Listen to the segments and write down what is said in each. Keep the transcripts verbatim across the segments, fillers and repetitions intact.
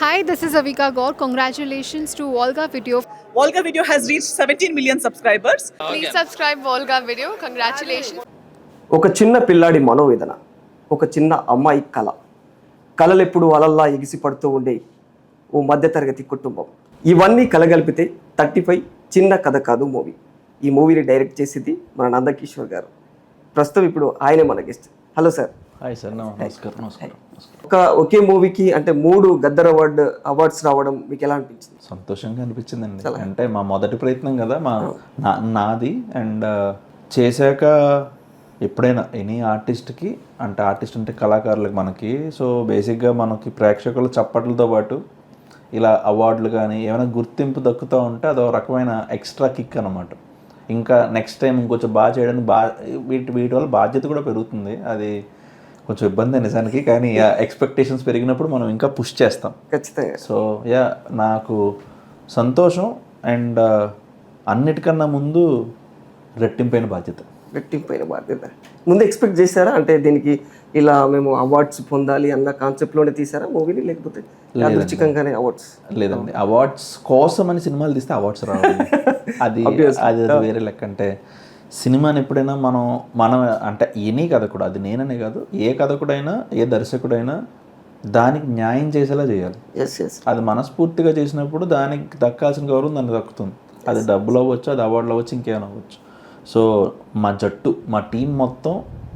Hi, this is Avika Gaur. Congratulations to Volga Video. Volga Video has reached seventeen million subscribers. Please subscribe Volga Video. Congratulations. ఒక చిన్న పిల్లాడి మనోవేదన, ఒక చిన్న అమ్మాయి కళ, కళలెప్పుడు అలల్లా ఎగిసి పడుతూ ఉండే ఓ మధ్యతరగతి కుటుంబం, ఇవన్నీ కలగలిపితే థర్టీ ఫైవ్ చిన్న కథ కాదు మూవీ. ఈ మూవీని డైరెక్ట్ చేసింది మన నందకిషోర్ గారు. ప్రస్తుతం ఇప్పుడు ఆయనే మన guest. Hello sir. Hi sir, నమస్కారం. నమస్కారం. ఒక ఒకే మూవీకి అంటే మూడు గద్దర్ అవార్డు అవార్డ్స్ రావడం మీకు ఎలా అనిపించింది? సంతోషంగా అనిపించిందండి. అంటే మా మొదటి ప్రయత్నం కదా, మా నా- నాది అండ్ చేశాక ఎప్పుడైనా ఎనీ ఆర్టిస్ట్కి అంటే ఆర్టిస్ట్ అంటే కళాకారులకు మనకి సో బేసిక్గా మనకి ప్రేక్షకుల చప్పట్లతో పాటు ఇలా అవార్డులు కానీ ఏమైనా గుర్తింపు దక్కుతూ ఉంటే అదో రకమైన ఎక్స్ట్రా కిక్ అనమాట. ఇంకా నెక్స్ట్ టైం ఇంకొంచెం బాగా చేయడానికి బా వీటి వీటి వల్ల బాధ్యత కూడా పెరుగుతుంది. అది కొంచెం ఇబ్బంది నిజానికి, కానీ ఎక్స్పెక్టేషన్స్ పెరిగినప్పుడు మనం ఇంకా పుష్ చేస్తాం ఖచ్చితంగా. సో యా నాకు సంతోషం అండ్ అన్నిటికన్నా ముందు రెట్టింపైన బాధ్యత. రెట్టింపైన బాధ్యత. ముందు ఎక్స్పెక్ట్ చేశారా అంటే దీనికి ఇలా మేము అవార్డ్స్ పొందాలి అన్న కాన్సెప్ట్లోనే తీసారా మూవీని, లేకపోతే యాదృచ్ఛికంగానే అవార్డ్స్? లేదండి, అవార్డ్స్ కోసం అని సినిమాలు తీస్తే అవార్డ్స్ రావాలి. అది అది అది వేరే లెక్క. అంటే సినిమాని ఎప్పుడైనా మనం మనం అంటే ఎనీ కథ కూడా, అది నేననే కాదు, ఏ కథకుడైనా ఏ దర్శకుడైనా దానికి న్యాయం చేసేలా చేయాలి. ఎస్ ఎస్ అది మనస్ఫూర్తిగా చేసినప్పుడు దానికి దక్కాల్సిన గౌరవం దానికి దక్కుతుంది. అది డబ్బులు అవ్వచ్చు, అది అవార్డులు అవ్వచ్చు, ఇంకేమైనా అవ్వచ్చు. సో మా జట్టు, మా టీం మొత్తం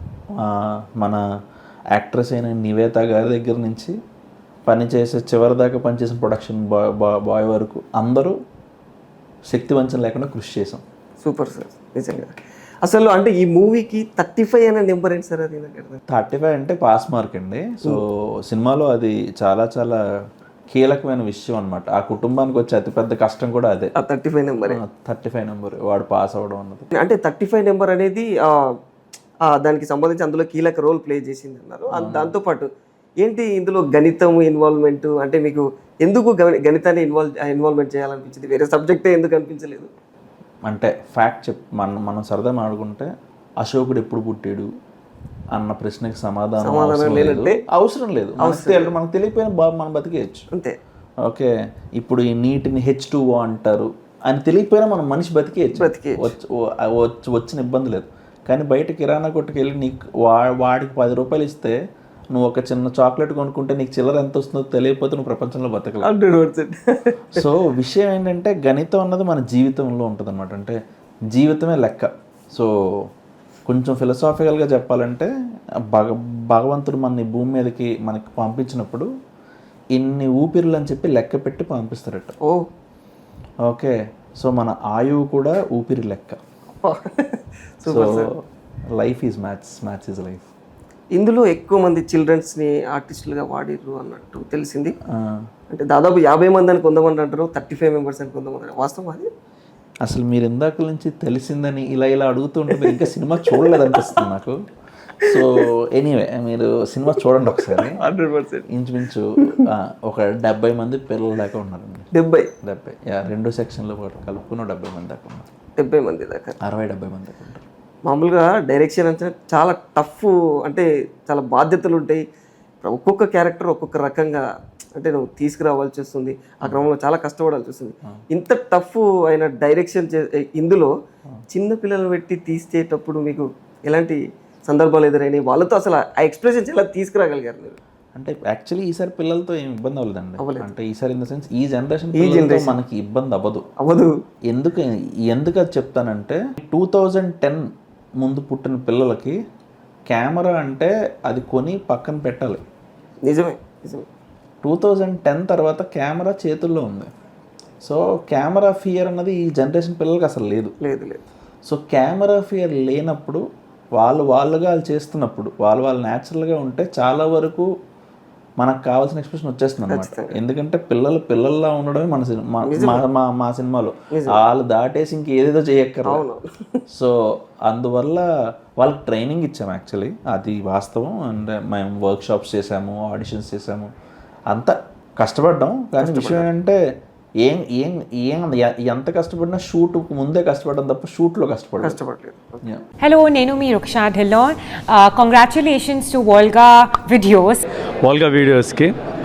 మన యాక్ట్రెస్ అయిన నివేత గారి దగ్గర నుంచి పనిచేసే చివరి దాకా పనిచేసిన ప్రొడక్షన్ బాయ్ బాయ్ వరకు అందరూ శక్తి వంచన లేకుండా కృషి చేసాం. సూపర్ సార్, నిజంగా. అసలు అంటే ఈ మూవీకి థర్టీ ఫైవ్ అనే నెంబర్ ఏంటి సార్? అది థర్టీ ఫైవ్ అంటే పాస్ మార్క్ అండి. సో సినిమాలో అది చాలా చాలా కీలకమైన విషయం అనమాట. ఆ కుటుంబానికి వచ్చే అతిపెద్ద కష్టం కూడా అదే. Thirty five number thirty five number వాడు పాస్ అవ్వడం అన్నది. అంటే థర్టీ ఫైవ్ నెంబర్ అనేది దానికి సంబంధించి అందులో కీలక రోల్ ప్లే చేసింది అన్నారు. దాంతోపాటు ఏంటి ఇందులో గణితం ఇన్వాల్వ్మెంట్, అంటే మీకు ఎందుకు గణితాన్ని ఇన్వాల్వ్ ఇన్వాల్వ్మెంట్ చేయాలనిపించింది? వేరే సబ్జెక్టే ఎందుకు అనిపించలేదు? అంటే ఫ్యాక్ట్ చెప్ మనం మనం సరదా మాడుకుంటే అశోకుడు ఎప్పుడు పుట్టాడు అన్న ప్రశ్నకి సమాధానం అవసరం లేదు. అవసరం లేదు మనకు తెలియపోయిన బాబు మనం బతికేయచ్చు అంతే. ఓకే, ఇప్పుడు ఈ నీటిని హెచ్ టూ ఓ అంటారు అని తెలియపోయినా మనం మనిషి బతికేయచ్చు, బతికేయచ్చు, వచ్చిన ఇబ్బంది లేదు. కానీ బయట కిరాణా కొట్టుకు వెళ్ళి నీకు వా వాడికి పది రూపాయలు ఇస్తే నువ్వు ఒక చిన్న చాక్లెట్ కొనుక్కుంటే నీకు చిల్లర ఎంత వస్తుందో తెలియకపోతే నువ్వు ప్రపంచంలో బతకలేదు. Hundred percent. సో విషయం ఏంటంటే గణితం అన్నది మన జీవితంలో ఉంటుంది అనమాట. అంటే జీవితమే లెక్క. సో కొంచెం ఫిలసాఫికల్గా చెప్పాలంటే భగ భగవంతుడు మన భూమి మీదకి మనకి పంపించినప్పుడు ఇన్ని ఊపిరులు అని చెప్పి లెక్క పెట్టి పంపిస్తారట. ఓ ఓకే, సో మన ఆయువు కూడా ఊపిరి లెక్క. So life is maths, maths is life. ఇందులో ఎక్కువ మంది చిల్డ్రన్స్ని ఆర్టిస్టులుగా వాడిర్రు అన్నట్టు తెలిసింది. అంటే దాదాపు యాభై మంది అని కొంతమంది అంటారు, థర్టీ ఫైవ్ మెంబర్స్ అని కొంతమంది. వాస్తవం అది? అసలు మీరు ఇందాక నుంచి తెలిసిందని ఇలా ఇలా అడుగుతుంటే మీరు ఇంకా సినిమా చూడలేదనిపిస్తుంది నాకు. సో ఎనీవే మీరు సినిమా చూడండి ఒకసారి. Hundred percent. ఇంచుమించు ఒక డెబ్బై మంది పిల్లల దాకా ఉన్నారండి. డెబ్బై డెబ్బై రెండు సెక్షన్లో కలుపుకున్న డెబ్బై మంది దాకా ఉన్నారు. డెబ్బై మంది దాకా, అరవై డెబ్బై మంది దాకా ఉంటారు. మామూలుగా డైరెక్షన్ అంటే చాలా టఫ్, అంటే చాలా బాధ్యతలు ఉంటాయి. ఒక్కొక్క క్యారెక్టర్ ఒక్కొక్క రకంగా అంటే నువ్వు తీసుకురావాల్సి వస్తుంది, ఆ క్రమంలో చాలా కష్టపడాల్సి వస్తుంది. ఇంత టఫ్ అయిన డైరెక్షన్ ఇందులో చిన్న పిల్లలు పెట్టి తీసేటప్పుడు మీకు ఎలాంటి సందర్భాలు ఎదురైనాయి? వాళ్ళతో అసలు ఆ ఎక్స్ప్రెషన్స్ ఎలా తీసుకురాగలిగారు మీరు? అంటే యాక్చువల్లీ ఈసారి పిల్లలతో ఏం ఇబ్బంది అవ్వలేదండి. అంటే ఈసారి ఇన్ ద సెన్స్ ఈ జనరేషన్ ఈ జనరేషన్ మనకి ఇబ్బంది అవ్వదు అవ్వదు ఎందుకు ఎందుకు అది చెప్తానంటే టూ థౌజండ్ టెన్ ముందు పుట్టిన పిల్లలకి కెమెరా అంటే అది కొని పక్కన పెట్టాలి. నిజమే నిజమే. టూ థౌజండ్ టెన్ తర్వాత కెమెరా చేతుల్లో ఉంది. సో కెమెరా ఫియర్ అన్నది ఈ జనరేషన్ పిల్లలకి అసలు లేదు లేదు లేదు సో కెమెరా ఫియర్ లేనప్పుడు వాళ్ళు వాళ్ళుగా వాళ్ళు చేస్తున్నప్పుడు వాళ్ళు వాళ్ళు న్యాచురల్గా ఉంటే చాలా వరకు మనకు కావాల్సిన ఎక్స్ప్రెషన్ వచ్చేస్తుంది అనమాట. ఎందుకంటే పిల్లలు పిల్లల్లా ఉండడమే మన సినిమా మా సినిమాలో వాళ్ళు దాటేసి ఇంకేదేదో చేయక్కర్లా. సో అందువల్ల వాళ్ళకి ట్రైనింగ్ ఇచ్చాము యాక్చువల్లీ, అది వాస్తవం. అండ్ మేము వర్క్ షాప్స్ చేసాము, ఆడిషన్స్ చేసాము, అంతా కష్టపడ్డాం. కానీ విషయం ఏంటంటే ఏం ఏం ఏం ఎంత కష్టపడినా షూట్ ముందే కష్టపడడం తప్ప షూట్లో కష్టపడ కష్టపడలేదు. హలో, నేను మీ Ruksha Dhillon. Congratulations to Volga videos. Volga వీడియోస్కి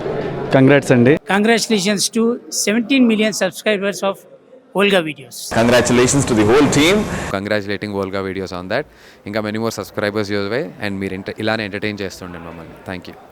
కంగ్రాట్స్ అండి. Congratulations to seventeen million subscribers of Olga Videos. Congratulations to the whole team. Congratulating Volga videos on that. ఇంకా many more subscribers use way అండ్ మీరు ఇంట ఇలానే ఎంటర్టైన్ చేస్తుండండి మమ్మల్ని. Thank you.